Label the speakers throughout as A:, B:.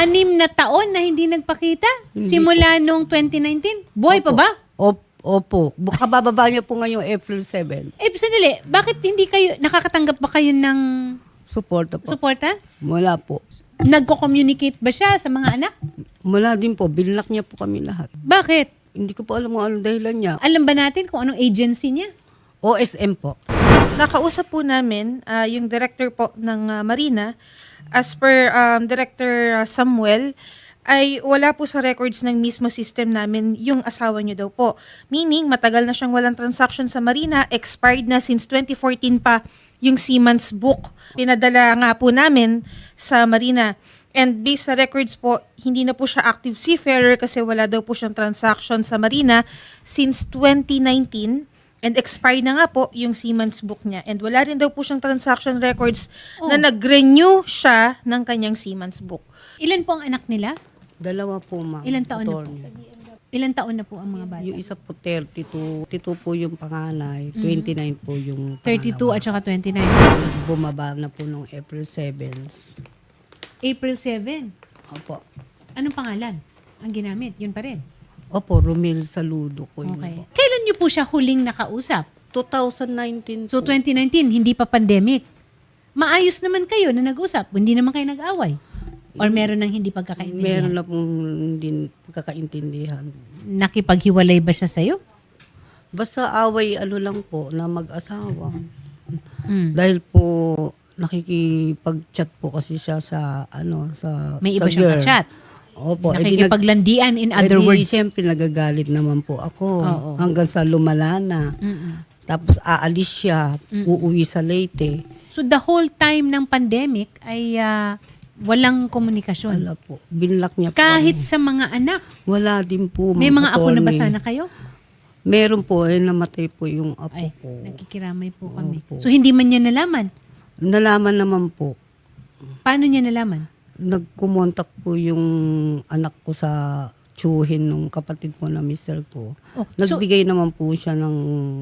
A: 6 na taon na hindi nagpakita?
B: Hindi
A: Simula nung 2019? Buhay pa ba?
B: Opo. Kabababa niya po ngayong April 7.
A: Sandali, bakit hindi kayo, nakakatanggap ba kayo ng
B: Suporta po.
A: suporta?
B: Wala po.
A: Nagko-communicate ba siya sa mga anak?
B: Wala din po. Binlock niya po kami lahat.
A: Bakit?
B: Hindi ko po alam kung anong dahilan niya.
A: Alam ba natin kung anong agency niya?
B: OSM po.
C: Nakausap po namin yung director po ng Marina. As per Director Samuel, ay wala po sa records ng mismo system namin yung asawa niyo daw po. Meaning, matagal na siyang walang transaction sa Marina, expired na since 2014 pa yung Siemens book. Pinadala nga po namin sa Marina. And based sa records po, hindi na po siya active seafarer kasi wala daw po siyang transaction sa Marina since 2019. And expired na nga po yung Siemens book niya. And wala rin daw po siyang transaction records na nag-renew siya ng kanyang Siemens book.
A: Ilan po ang anak nila?
B: Dalawa po, ma'am.
A: Ilan taon na po?
B: Attorney.
A: Ilan taon na po ang mga bata?
B: Yung isa po 32. 32 po yung panganay. 29 po yung
A: 32
B: pangalawa.
A: at saka 29.
B: Bumaba na po nung April 7.
A: April 7.
B: Opo.
A: Anong pangalan ang ginamit? Yun pa rin.
B: Opo, Romil Saludo po yun
A: Okay.
B: po.
A: Kailan niyo po siya huling nakausap?
B: 2019
A: So
B: po.
A: 2019, hindi pa pandemic. Maayos naman kayo na nag-usap. Hindi naman kayo nag-away. Or meron ng hindi
B: Meron
A: pagkakaintindihan?
B: na pong hindi pagkakaintindihan.
A: Nakipaghiwalay ba siya sa'yo?
B: Basta away lang po na mag-asawa.
A: Hmm.
B: Dahil po nakikipag-chat po kasi siya sa
A: May
B: sa
A: iba siyang
B: girl.
A: chat.
B: Opo.
A: Nakikipaglandian in other words.
B: Siyempre nagagalit naman po ako.
A: Oo.
B: Hanggang sa lumala na. Tapos aalis siya, uuwi sa Leyte.
A: So the whole time ng pandemic ay walang komunikasyon.
B: Wala po. Binlock niya po.
A: Kahit
B: kami.
A: sa mga anak.
B: Wala din po.
A: May mga apo na ba
B: attorney.
A: sana kayo?
B: Meron po. Namatay po yung apo
A: Ay,
B: ko.
A: nakikiramay po kami.
B: Opo.
A: So hindi man niya nalaman.
B: Nalaman naman po.
A: Paano niya nalaman?
B: Nagkumontak po yung anak ko sa tsuhin nung kapatid ko na mister ko.
A: Oh, so
B: Nagbigay naman po siya ng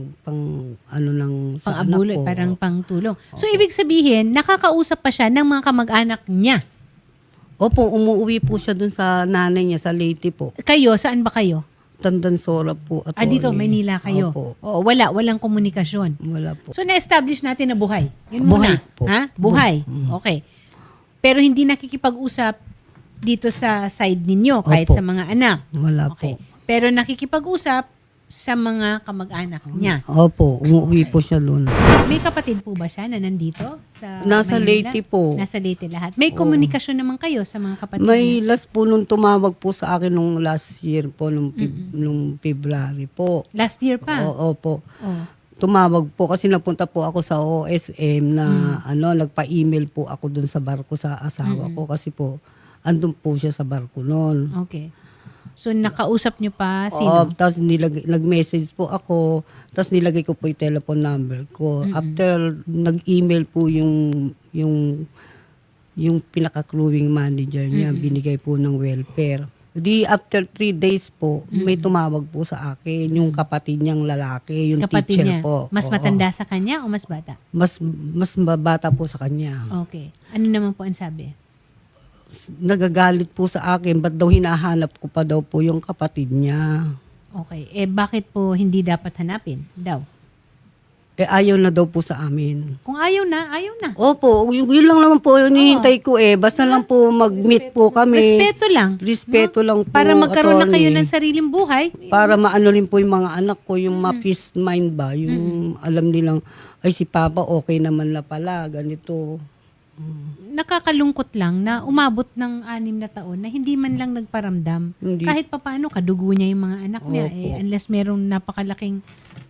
B: ng sa anak
A: pang-abuloy,
B: ko.
A: parang pangtulong. So ibig sabihin, nakakausap pa siya ng mga kamag-anak niya.
B: Opo, umuwi po siya dun sa nanay niya sa Leyte po.
A: Kayo, saan ba kayo?
B: Tandansora po.
A: Dito, Maynila kayo.
B: Opo.
A: Oo, walang komunikasyon.
B: Wala po.
A: So na-establish natin na buhay. Yun
B: Buhay
A: muna.
B: po.
A: Ha? Buhay. Okay. Pero hindi nakikipag-usap dito sa side ninyo kahit
B: Opo.
A: sa mga anak.
B: Wala
A: Okay.
B: po.
A: Pero nakikipag-usap sa mga kamag-anak niya.
B: Opo, umuwi po siya dun.
A: May kapatid po ba siya na nandito sa
B: Nasa
A: Maynila?
B: Leyte po.
A: Nasa Leyte lahat. May komunikasyon naman kayo sa mga kapatid
B: May
A: niya?
B: last po nung tumawag po sa akin nung last year po, nung February po.
A: Last year pa?
B: Opo.
A: Oh.
B: Tumawag po kasi napunta po ako sa OSM na nagpa-email po ako dun sa barko sa asawa ko kasi po andun po siya sa barko noon.
A: Okay. So nakausap niyo pa sino?
B: Tapos nag-message po ako, tapos nilagay ko po yung telephone number ko. After nag-email po yung pinaka-crewing manager niya, binigay po ng welfare. Di after 3 days po, may tumawag po sa akin, yung kapatid niyang lalaki, yung
A: Kapatid
B: teacher
A: niya.
B: po.
A: Mas
B: Oo.
A: matanda sa kanya o mas bata?
B: Mas bata po sa kanya.
A: Okay. Ano naman po ang sabi?
B: Nagagalit po sa akin, ba't daw hinahanap ko pa daw po yung kapatid niya.
A: Okay. Bakit po hindi dapat hanapin daw?
B: Ayaw na daw po sa amin.
A: Kung ayaw na, ayaw na.
B: Opo, yun lang naman po yung hinihintay ko Basta lang po mag-meet po kami.
A: Respeto lang.
B: Respeto lang po.
A: Para magkaroon na kayo
B: attorney.
A: ng sariling buhay.
B: Para maano rin po yung mga anak ko, yung ma-peace mind ba? Yung alam nilang, ay si Papa okay naman na pala, ganito.
A: Nakakalungkot lang na umabot ng 6 na taon na hindi man lang nagparamdam.
B: Hindi.
A: Kahit papaano, kadugo niya yung mga anak niya.
B: Opo.
A: Unless merong napakalaking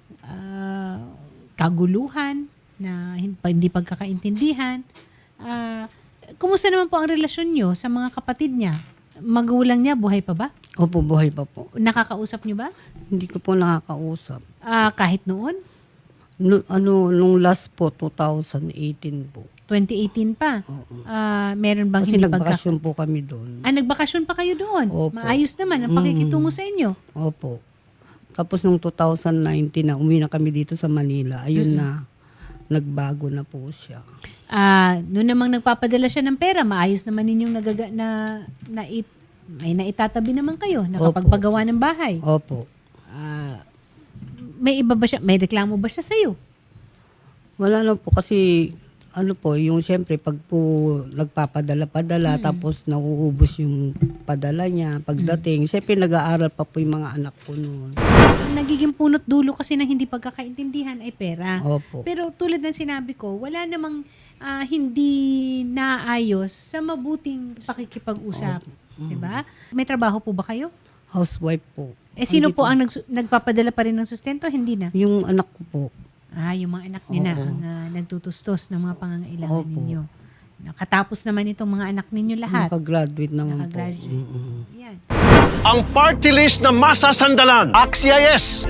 A: kaguluhan na hindi pagkakaintindihan. Kumusta naman po ang relasyon niyo sa mga kapatid niya? Magulang niya, buhay pa ba?
B: Opo, buhay pa po.
A: Nakakausap niyo ba?
B: Hindi ko po nakakausap.
A: Kahit noon?
B: Nung last po, 2018 po.
A: 2018 pa? Meron bang
B: Kasi
A: hindi
B: nagbakasyon po kami doon.
A: nagbakasyon pa kayo doon?
B: Opo.
A: Maayos naman ang pakikitungo sa inyo.
B: Opo. Tapos nung 2019 na, umuwi na kami dito sa Manila. Ayun na, nagbago na po siya.
A: Noon namang nagpapadala siya ng pera, maayos naman ninyong may naitatabi naman kayo, nakapagpagawa ng bahay.
B: Opo.
A: May iba ba siya, may reklamo ba siya sa'yo?
B: Wala na po kasi ano po, yung siyempre pag po nagpapadala-padala tapos nauubos yung padala niya pagdating, siyempre nag-aaral pa po yung mga anak ko noon.
A: Nagiging punot dulo kasi ng hindi pagkakaintindihan ay pera.
B: Opo.
A: Pero tulad ng sinabi ko, wala namang hindi naayos sa mabuting pakikipag-usap. Diba? May trabaho po ba kayo?
B: Housewife po.
A: Sino po ang nagpapadala pa rin ng sustento? Hindi na.
B: Yung anak ko po.
A: Yung mga anak niyo na ang nagtutustos ng mga pangangailangan
B: Opo.
A: ninyo. Nakatapos naman itong mga anak ninyo lahat.
B: Nakagraduate naman
A: Nakagraduate.
B: po.
A: Yan.
D: Ang party list na masasandalan. Axia yes!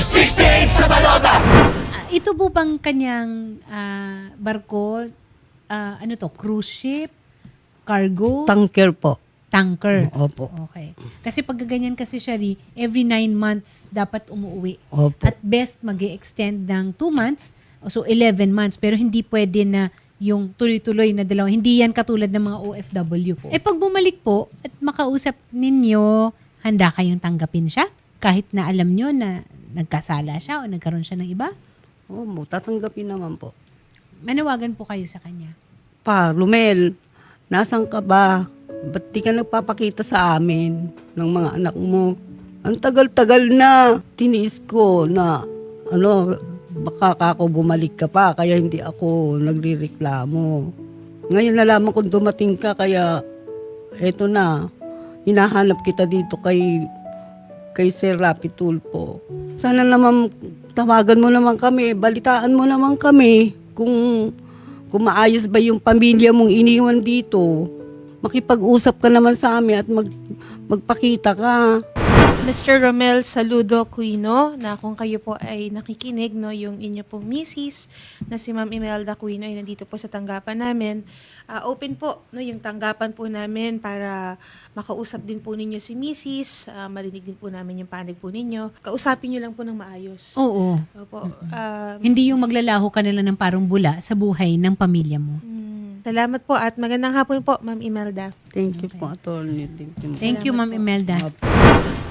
A: Ito po bang kanyang barko, cruise ship, cargo,
B: Tanker po.
A: tanker?
B: Opo.
A: Okay. Kasi pag ganyan kasi siya, every 9 months dapat umuwi.
B: Opo.
A: At best mag-extend ng 2 months, so 11 months. Pero hindi pwede na yung tuloy-tuloy na dalawa. Hindi yan katulad ng mga OFW po. Pag bumalik po at makausap ninyo, handa kayong tanggapin siya? Kahit na alam nyo na nagkasala siya o nagkaroon siya ng iba?
B: Opo, tatanggapin naman po.
A: Manawagan po kayo sa kanya.
B: Pa, Lumel, nasan ka ba? Ba't di ka nagpapakita sa amin ng mga anak mo? Ang tagal-tagal na. Tiniis ko na, baka ako bumalik ka pa, kaya hindi ako nagrireklamo. Ngayon nalaman kong dumating ka, kaya eto na, hinahanap kita dito kay Sir Rapi Tulfo. Sana naman tawagan mo naman kami, balitaan mo naman kami kung maayos ba yung pamilya mong iniwan dito. Makipag-usap ka naman sa amin at magpakita ka.
C: Mr. Romel Saludo Aquino, na kung kayo po ay nakikinig, no, yung inyo pong misis na si Ma'am Imelda Aquino ay nandito po sa tanggapan namin. Open po, no, yung tanggapan po namin para makausap din po ninyo si misis, marinig din po namin yung panig po ninyo. Kausapin nyo lang po ng maayos.
A: Oo.
C: Opo.
A: Hindi yung maglalaho ka nila ng parang bula sa buhay ng pamilya mo.
C: Salamat po at magandang hapon po, Ma'am Imelda.
B: Thank you po, attorney. Thank you.
A: Thank you, Ma'am Imelda.
B: Opo.